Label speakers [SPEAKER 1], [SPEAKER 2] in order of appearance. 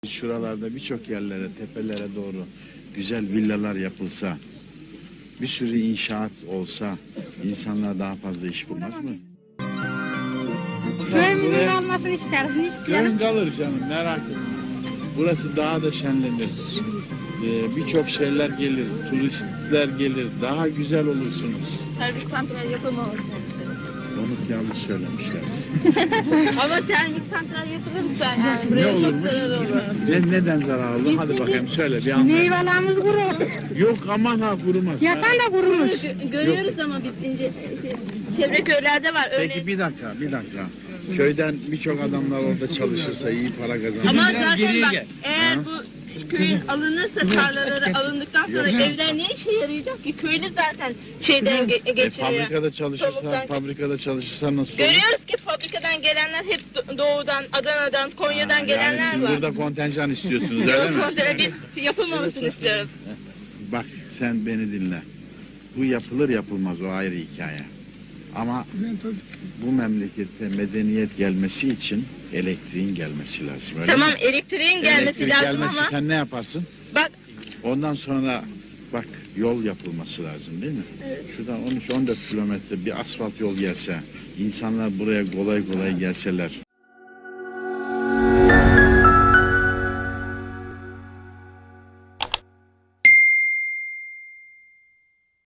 [SPEAKER 1] Şuralarda birçok yerlere, tepelere doğru güzel villalar yapılsa, bir sürü inşaat olsa insanlar daha fazla iş bulmaz mı?
[SPEAKER 2] Köyümüzün olmasını isteriz, ne isteyelim?
[SPEAKER 1] Köyün kalır canım, merak etme. Burası daha da şenlenir. Birçok şeyler gelir, turistler gelir, daha güzel olursunuz.
[SPEAKER 3] Termik santral yapılmaması.
[SPEAKER 1] Onu yanlış söylemişler.
[SPEAKER 3] Ama termik santral yapılırsa yani
[SPEAKER 1] Ne
[SPEAKER 3] buraya çok
[SPEAKER 1] olurmuş?
[SPEAKER 3] zarar olur.
[SPEAKER 1] Neden zararlı? Hadi bakayım söyle bir anlat.
[SPEAKER 2] Meyvelerimiz kurur.
[SPEAKER 1] Yok aman ha kurumaz.
[SPEAKER 2] Yatan da kurumuş.
[SPEAKER 3] Görüyoruz ama biz çevre köylerde var.
[SPEAKER 1] Peki
[SPEAKER 3] Örneğin.
[SPEAKER 1] bir dakika. Köyden birçok adamlar orada çalışırsa iyi para kazanır.
[SPEAKER 3] Ama zaten bak eğer bu köyün alınırsa tarlaları alındıktan sonra evler ne işe yarayacak ki? Köylü zaten şeyden geçiriyor.
[SPEAKER 1] Fabrikada çalışırsa nasıl olur?
[SPEAKER 3] Görüyoruz ki fabrikadan gelenler hep doğudan, Adana'dan, Konya'dan
[SPEAKER 1] Yani
[SPEAKER 3] gelenler
[SPEAKER 1] siz
[SPEAKER 3] var.
[SPEAKER 1] burada kontenjan istiyorsunuz öyle mi?
[SPEAKER 3] Biz yapılmamasını istiyoruz.
[SPEAKER 1] Bak sen beni dinle. Bu yapılır yapılmaz o ayrı hikaye. Ama bu memlekette medeniyet gelmesi için elektriğin gelmesi lazım. Öyle
[SPEAKER 3] Tamam
[SPEAKER 1] mi?
[SPEAKER 3] elektriğin gelmesi
[SPEAKER 1] Elektrik
[SPEAKER 3] lazım
[SPEAKER 1] gelmesi
[SPEAKER 3] ama
[SPEAKER 1] sen ne yaparsın?
[SPEAKER 3] bak
[SPEAKER 1] Ondan sonra bak yol yapılması lazım değil mi?
[SPEAKER 3] Evet.
[SPEAKER 1] Şuradan 13-14 kilometre bir asfalt yol gelse, insanlar buraya kolay kolay gelseler.